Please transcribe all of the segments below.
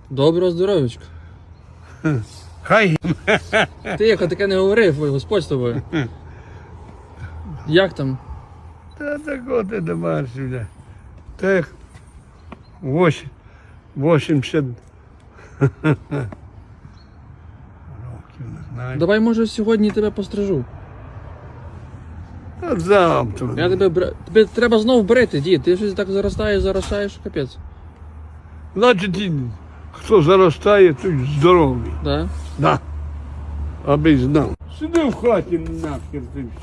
Доброго здоров'ячка. Хай. Тихо, таке не говорив, ой, Господь з тобою. Як там? Та такого ти домашнього. Так. 80 років, не знаю. Давай, може, сьогодні тебе пострижу. А завтра. Я тебе треба знов брити, дід. Ти щось так заростаєш, капець. Значить, хто заростає, той здоровий. Да? Да. Аби знав. Сиди в хаті нахер ти все.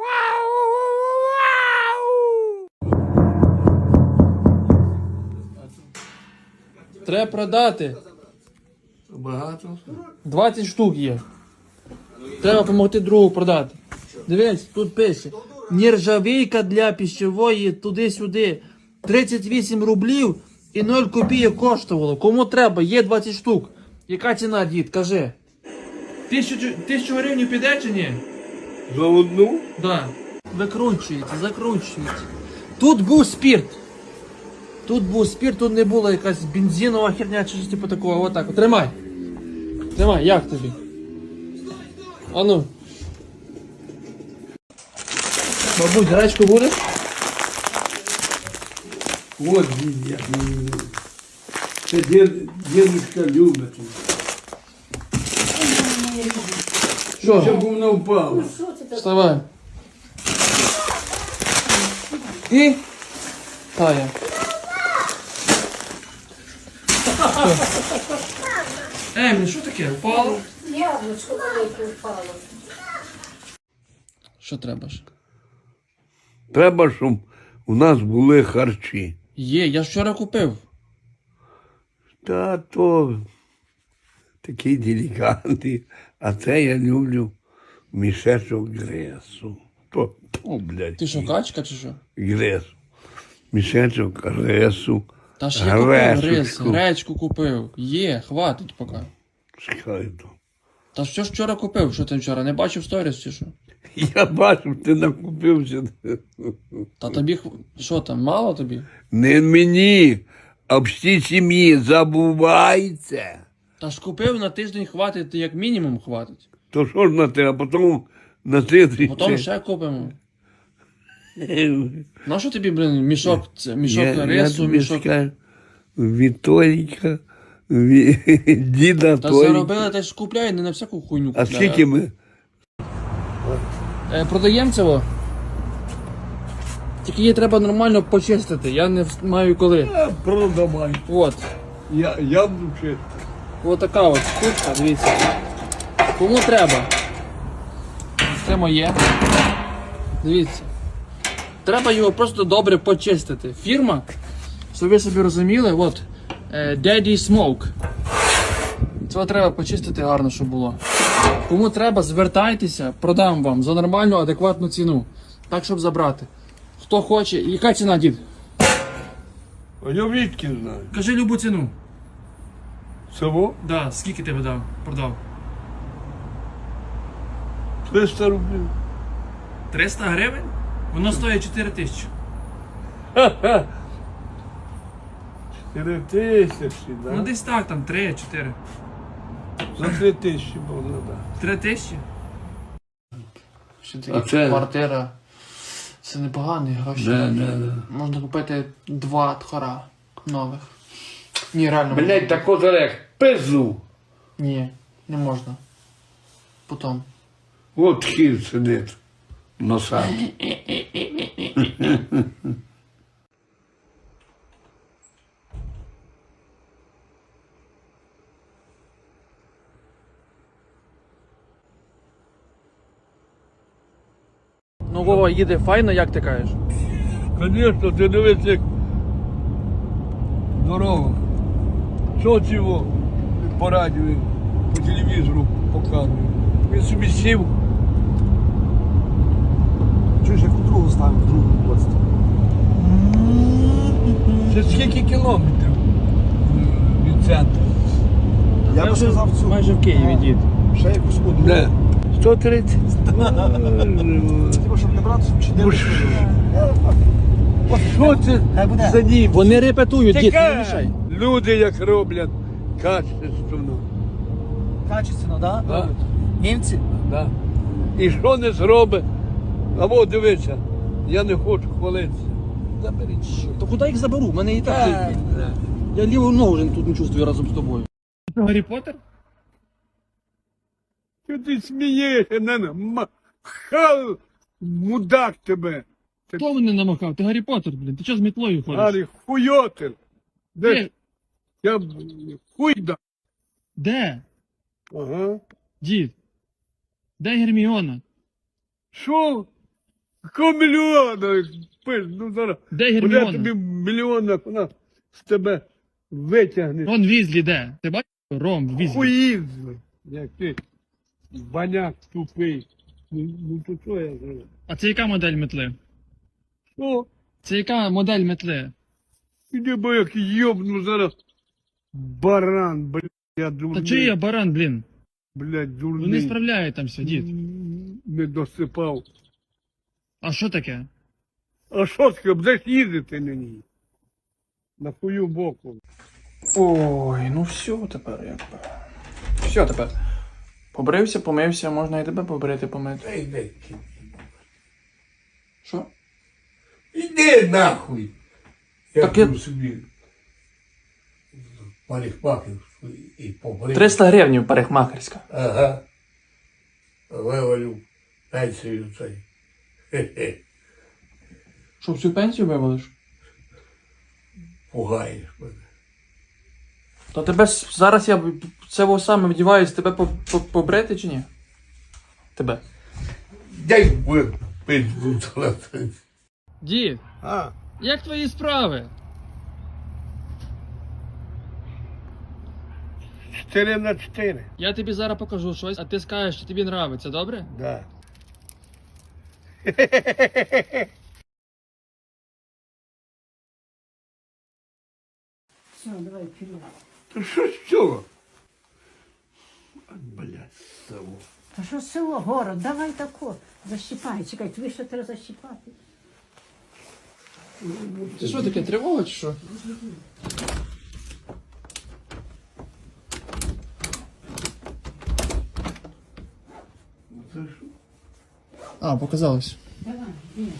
Треба продати. Багато? 20 штук є. Треба допомогти другу продати. Дивись, тут пише. Нержавійка для пищевої туди-сюди. 38 рублів і 0 копійок коштувало. Кому треба? Є 20 штук. Яка ціна, дід? Кажи. 1000 гривень піде чи ні? За одну? Да. Закручується. Тут був спирт. Тут не була якась бензинова херня чи щось типу такого. Отак. От. Тримай, як тобі? А ну. Бабусь, гречку будеш? От я. Це дідушка любить. Що? Щоб вона впала. Вставай. І тая. Емілі, що таке? Впало? Яблучко велике впало. Що треба ж? Треба, щоб у нас були харчі. Є, я ж вчора купив. Та то такі делікатні. А це я люблю мішечок гресу. То, блядь. Ти що, качка чи що? Гресу. Мішечок гресу. Та ж я купив гриз, Гресочку. гречку купив. Є, хватить поки. Чекай то. Та що ж вчора купив? Що ти вчора? Не бачив сторіс чи що? Я бачив, ти накупився. Та тобі, що там, мало тобі? Не мені, а всій сім'ї забувайте. Та ж купив на тиждень хватить, як мінімум хватить. То що ж на те, а потім на третій. Потім ще купимо. На що тобі, блин, мішок рису, тобі мішок? скажу, Вітоліка, діда Та Толіка. заробили, та ж купляй, не на всяку хуйню А купляй. скільки ми? Продаємо цього? Тільки її треба нормально почистити, я не маю коли. Продавай. От. Я буду чистити. Ось така от штучка, дивіться. Кому треба? Це моє. Дивіться. Треба його просто добре почистити. Фірма, щоб ви собі розуміли, от Daddy Smoke. Це треба почистити гарно, щоб було. Кому треба, звертайтеся, продам вам за нормальну, адекватну ціну. Так, щоб забрати. Хто хоче. Яка ціна, дід? А я відки знаю. Кажи любу ціну. Всього Да, скільки тебе продав? 300 рублів. 300 гривень? Воно стоїть 4 тисячі. 4 тисячі, Ну да? десь так, там 3-4. За 3 тисячі було, да. 3 тисячі? Ще А це- квартира. Це непогані гроші. Да. Можна купити 2 тхора нових. Ні, реально. Блять, тако зарек, пизду. Ні, не можна. Потім. От хід сидить на саді. Ну, Вова їде файно, як ти кажеш? Звісно, ти дивись, як дорога. Що цього по радіо, по телевізору показує. Він собі сів. Чуєш, як у другу ставимо, в другу область. Це скільки кілометрів від центру? Я б сказав цю. Майже в Києві, дід. Ще якусь одну. Не. 130. Типу, щоб не брати, щоб чи не Що це Хай буде. за нім? Вони репетують, дід, не Таке мішай. люди як роблять. Качественно. Качественно, да? Да. Німці? Да. І що не зробить? А от дивися, я не хочу хвалитися. Заберіть що. То куди їх заберу? У мене і так. Я ліву ногу вже тут не чувствую разом з тобою. Гаррі Поттер? Що ти смієшся, хал, мудак тебе. Хто мене намахав? Ти Гаррі Поттер, блін. Ти чого з мітлою ходиш? Гарі, хуйотер. Де? Де? Я хуйда. Де? Ага. Дід? Де Герміона? Що? Якого мільйона? Пиш, ну зараз. Де Буде Герміона? тобі мільйона, вона з тебе витягне. Рон Візлі де? Ти бачиш? Ром Візлі. Хуїзли. Як ти, баняк тупий. Ну то що я зроблю? А це яка модель метли? Що? Це яка модель метли? Іди, бо як йобну зараз. Баран, блядь, я дурний. Та чий я баран, блін? Блядь, дурний. Ну не справляє там все, дід. Не досипав. А що таке? А що таке, будеш їздити на ній? На хую боку. Ой, ну все тепер якби. Все тепер. Побрився, помився, можна і тебе побрити, помити. Іди. Що? Іди нахуй. Я Так я- тут собі парикмахер і побрив. 300 гривень парикмахерська. Ага. Вивалю пенсію цей. Хе-хе. Що, всю пенсію вивалиш? Пугаєш мене. То тебе зараз я це саме вдіваюсь, тебе побрити чи ні? Тебе. Дай би пизду золоти. Дід, А, як твої справи? 4/4. Я тобі зараз покажу щось, а ти скажеш, що тобі нравиться, добре? Да. Все, давай вперед. Та що з цього? Блядь, село. Та що село, город, давай тако. Защіпай, чекай, тобі ще треба защіпати. Це що таке, тривога чи що? Це що? А, показалось. Давай, ні.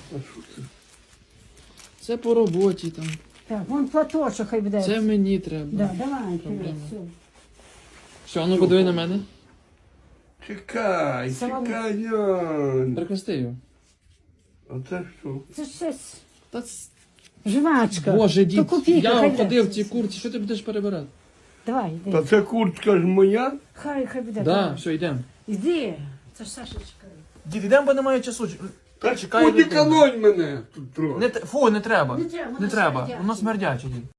Це по роботі там. Так, вон платочок хай буде. Це мені треба. Да, давай, вперед, Проблема. все. Все, ну подиви на мене. Чекай, Салам. чекай, Ян. Прикрести його. А це що? Це щось Та жвачка. Боже, То дід, копійка, я хай буде. ходив в цій курці, що ти будеш перебирати? Давай, йди. Та це куртка ж моя? Хай буде. Да, давай. все, йдемо. Іди. Це ж Сашечка. Дід, ідемо, бо немає часу. Та Чекай, подіканонь мене тут трохи. Фу, не треба. Не треба, Не воно треба, смердяче. воно смердяче, дід.